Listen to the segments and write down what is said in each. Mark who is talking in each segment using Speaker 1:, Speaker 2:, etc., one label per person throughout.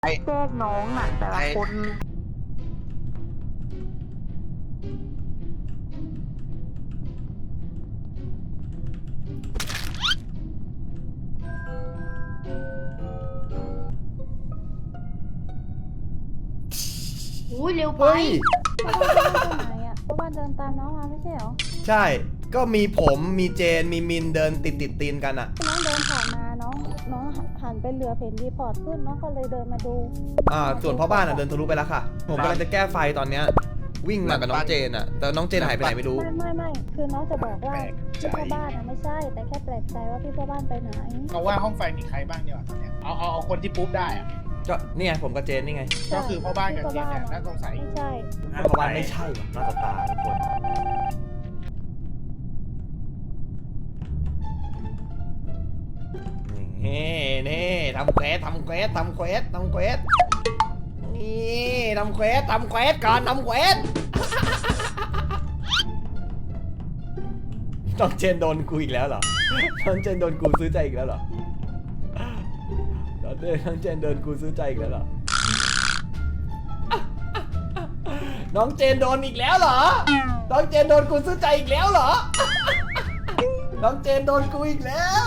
Speaker 1: แกล้งน้องน่ะแต่ละคน
Speaker 2: อุ้ยเร็วไป
Speaker 3: เฮ้ย
Speaker 4: ไหนอ่ะเพราะว่าเดินตามน้องมาไม่ใช่เหรอ
Speaker 3: ใช่ก็มีผมมีเจนมีมินเดินติดตีนกันอ่ะ
Speaker 4: น้องเดินผ่านมาน้องหันไปเหลือเห็นรีพอร์ตขึ้นน้องก็เลยเดินมาดู
Speaker 3: ส่วนพ่อบ้านอ่ะเดินทะลุไปแล้วค่ะ ผมกำลังจะแก้ไฟตอนเนี้ยวิ่งมากับน้องเจนอ่ะแต่น้องเจนหายไปไหนไม่รู้
Speaker 4: ไม่คือน้องจะบอกว่าพี่พ่อบ้านอ่ะไม่ใช่แต่แค่แปลกใจว่าพี่พ่อบ้านไปไหน
Speaker 5: เอาว่าห้องไฟมีใครบ้างดีกว่าตอนเนี้ยเอาคนที่ปุ๊บได้อะ
Speaker 3: ก็นี่ไงผมกับเจนนี่ไง
Speaker 5: ก็คือพ่อบ้านกับเจนเนี่ยน่าสงสัย
Speaker 4: ไม่ใช่
Speaker 3: พ่อบ้านไม่ใช่หรอกหน้าตาทุกคนนี่ทำเควสนี่ทำเควสก่อนทำเควสน้องเจนโดนกูอีกแล้วเหรอน้องเจนโดนกูซื้อใจอีกแล้วเหรอน้องเจนโดนกูซื้อใจอีกแล้วเหรอน้องเจนโดนอีกแล้วเหรอน้องเจนโดนกูซื้อใจอีกแล้วเหรอน้องเจนโดนกูอีกแล้ว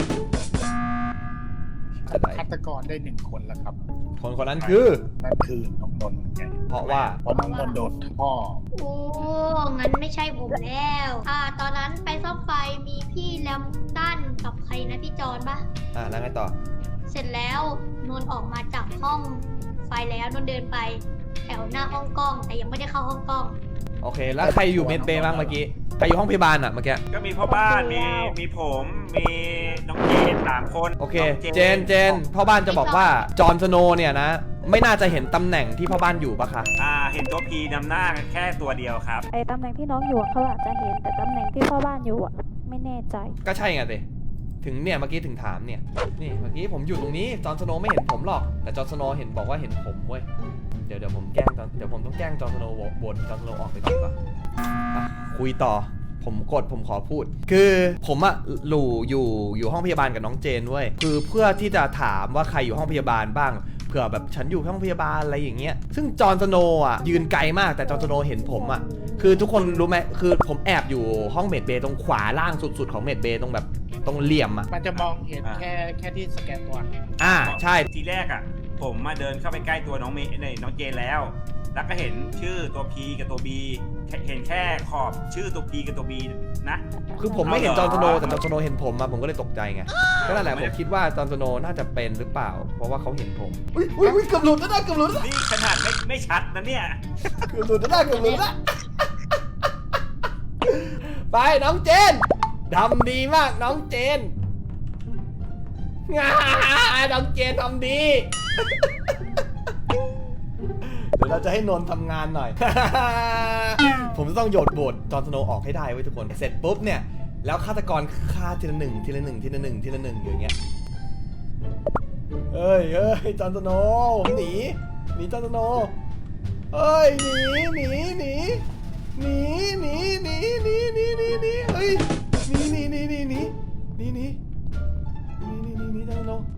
Speaker 3: อะไร
Speaker 5: ฆาตกรได้1 คนแล้วครับ
Speaker 3: คนนั้นคือ
Speaker 5: นั่นคือน้องนนท์ไง
Speaker 3: เพราะว่า
Speaker 5: เพราะน้องนนท์โดนท่อ
Speaker 2: โอ้ งั้นไม่ใช่ผมแล้ว ตอนนั้นไปซ่อมไฟมีพี่แลมตันกับใครนะพี่จอนปะ
Speaker 3: แล้วไงต่อ
Speaker 2: เสร็จแล้วนนท์ออกมาจากห้องไฟแล้วนนท์เดินไปแถวหน้าห้องกล้องแต่ยังไม่ได้เข้าห้องกล้อง
Speaker 3: โอเคแล้วใครอยู่เมดเบย์บ้างเมื่อกี้ใครอยู่ห้องพยาบาลอ่ะเมื่อกี้
Speaker 6: ก็มีพ่อบ้านมีผมมีน้องเจน3 คน
Speaker 3: โอเค
Speaker 6: น้อง
Speaker 3: เจนพ่อบ้านจะบอกว่าจอห์นสโนว์เนี่ยนะไม่น่าจะเห็นตำแหน่งที่พ่อบ้านอยู่ปะคะ
Speaker 6: เห็นตัวพีนำหน้าแค่ตัวเดียวครับ
Speaker 4: ไอ้ตำแหน่งที่น้องอยู่อะเขาอาจจะเห็นแต่ตำแหน่งที่พ่อบ้านอยู่อ่ะไม่แน่ใจ
Speaker 3: ก็ใช่ไงสิถึงเนี่ยเมื่อกี้ถึงถามเนี่ยนี่เมื่อกี้ผมอยู่ตรงนี้จอห์นสโนว์ไม่เห็นผมหรอกแต่จอห์นสโนว์เห็นบอกว่าเห็นผมเว้ยเดี๋ยวผมแกล้งเดี๋ยวผมต้องแกล้งจอห์นสโนว์บนจอห์นสโนว์ออกไปก่อนดีกว่าคุยต่อผมขอพูด คือผมอะอยู่ห้องพยาบาลกับน้องเจนเว้ยคือเพื่อที่จะถามว่าใครอยู่ห้องพยาบาลบ้างเผื่อแบบฉันอยู่ห้องพยาบาลอะไรอย่างเงี้ยซึ่งจอห์นสโนว์อะยืนไกลมากแต่จอห์นสโนว์เห็นผมอะคือทุกคนรู้ไหมคือผมแอบอยู่ห้องเมดเบย์ตรงขวาล่างสุดๆของเมดเบย์ตรงแบบตรงเหลี่ยมอะ
Speaker 5: มันจะมองเห็นแค่ที่สแกนตัว
Speaker 3: ใช่
Speaker 6: ทีแรกผมมาเดินเข้าไปใกล้ตัวน้องเจนแล้วก็เห็นชื่อตัว P กับตัว B เห็นแค่ขอบชื่อตัว P กับตัว B นะ
Speaker 3: คือผมไม่เห็นจอห์นสโนว์แต่จอห์นสโนว์เห็นผมมาผมก็เลยตกใจไงก็นั่นแหละผมคิดว่าจอห์นสโนว์น่าจะเป็นหรือเปล่าเพราะว่าเขาเห็นผมอุ้ยเกือบหลุดแล้วนะเกือบหลุดแล้ว
Speaker 6: นี่ขนาดไม่ชัดนะเนี่ย
Speaker 3: เกือบหลุดแล้วไปน้องเจนทำดีมากน้องเจนน้องเจนทำดีเดี๋ยวเราจะให้นนท์ทำงานหน่อย ผมจะต้องโยนโบทจอห์นสโนว์ออกให้ได้ไว้ทุกคนเสร็จปุ๊บเนี่ยแล้วฆาตกรฆ่าทีละหนึ่งอย่างเงี้ยเฮ้ยจอห์นสโนว์ผมหนีจอห์นสโนว์เฮ้ยหนีเฮ้ยหนีจอห์นสโนว์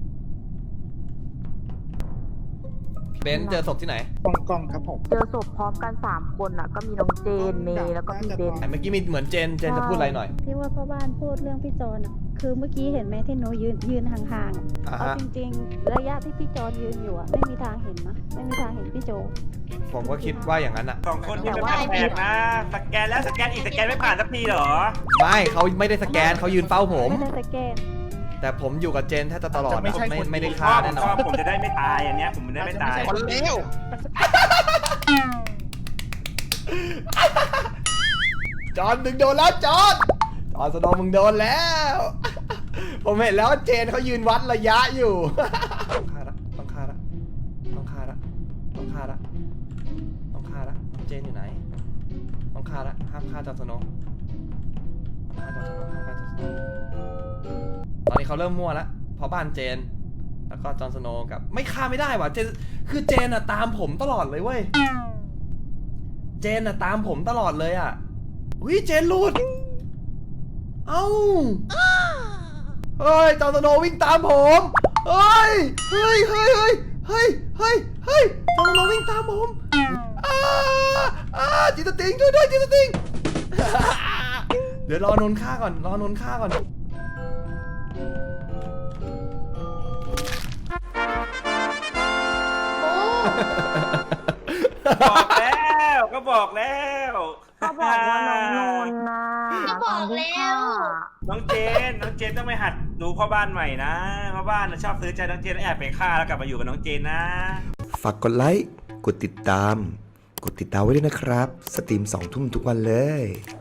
Speaker 3: เบนซ์เจอศพที่ไหน
Speaker 5: กล้องครับผม
Speaker 1: เจอศพพร้อมกัน3 คนน่ะก็มีน้องเจนเมย์แล้วก็พี่เบน
Speaker 3: เมื่อกี้มีเหมือนเจนจะพูดอะไรหน่อย
Speaker 4: ที่ว่าพ่อบ้านพูดเรื่องพี่จอนอ่ะคือเมื่อกี้เห็นไหมที่หนูยืนห่างๆเอาจริงๆระยะที่พี่จอนยืนอยู่อ่ะไม่มีทางเห็นนะไม่มีทางเห็นพี่โจ
Speaker 3: ผมก็คิดว่าอย่างนั้นอะ
Speaker 6: 2 คนที่เป็นแปลกๆนะสแกนแล้วสแกนอีกสแกนไม่ผ่านสักทีเหรอ
Speaker 3: ไม่เขาไม่ได้สแกนเขายืนเฝ้าผม
Speaker 4: ไม่ได้สแกน
Speaker 3: แต่ผมอยู่กับเจนแทบจะตลอดอะไม่ได้
Speaker 6: ช
Speaker 3: ฆ่า
Speaker 6: อบ
Speaker 3: แน่นอน
Speaker 6: ผมจะได้ไม่ตายอันเนี้ยผมจะได้ไม่ตาย
Speaker 5: คนเร็ว
Speaker 3: จอนมึงโดนแล้วจอนสโนว์มึงโดนแล้ว ผมเห็นแล้วเจนเขายืนวัดระยะอยู่ ต้องฆ่าละน้องเจนอยู่ไหนต้องฆ่าละห้ามฆ่าจอนสโนว์ตอนนี้เขาเริ่มมั่วแล้วเพราะบ้านเจนแล้วก็จอนสโนว์กับไม่ฆ่าไม่ได้ว่ะเจนคือเจนอะตามผมตลอดเลยเว้ยเจนอะตามผมตลอดเลยอะเจนหลุดเอ้าเฮ้ยจอนสโนว์วิ่งตามผมเฮ้ยเฮ้ยจอร์นโนวิ่งตามผมจิตตติงช่วยด้วยจิตตติง เดี๋ยวรอนนท์ฆ่าก่อน
Speaker 2: โอ้
Speaker 6: บอกแล้วก็บอกแล้ว
Speaker 1: ก็บอกว่าน้องนนท์นะ
Speaker 2: ก็บอกแล้ว
Speaker 6: น้องเจนต้องไปหัดดูพ่อบ้านใหม่นะพ่อบ้านน่ะชอบซื้อใจน้องเจนแล้วแอบไปฆ่าแล้วกลับมาอยู่กับน้องเจนนะ
Speaker 7: ฝากกดไลค์ กดติดตามไว้ด้วยนะครับ สตรีม2 ทุ่มทุกวันเลย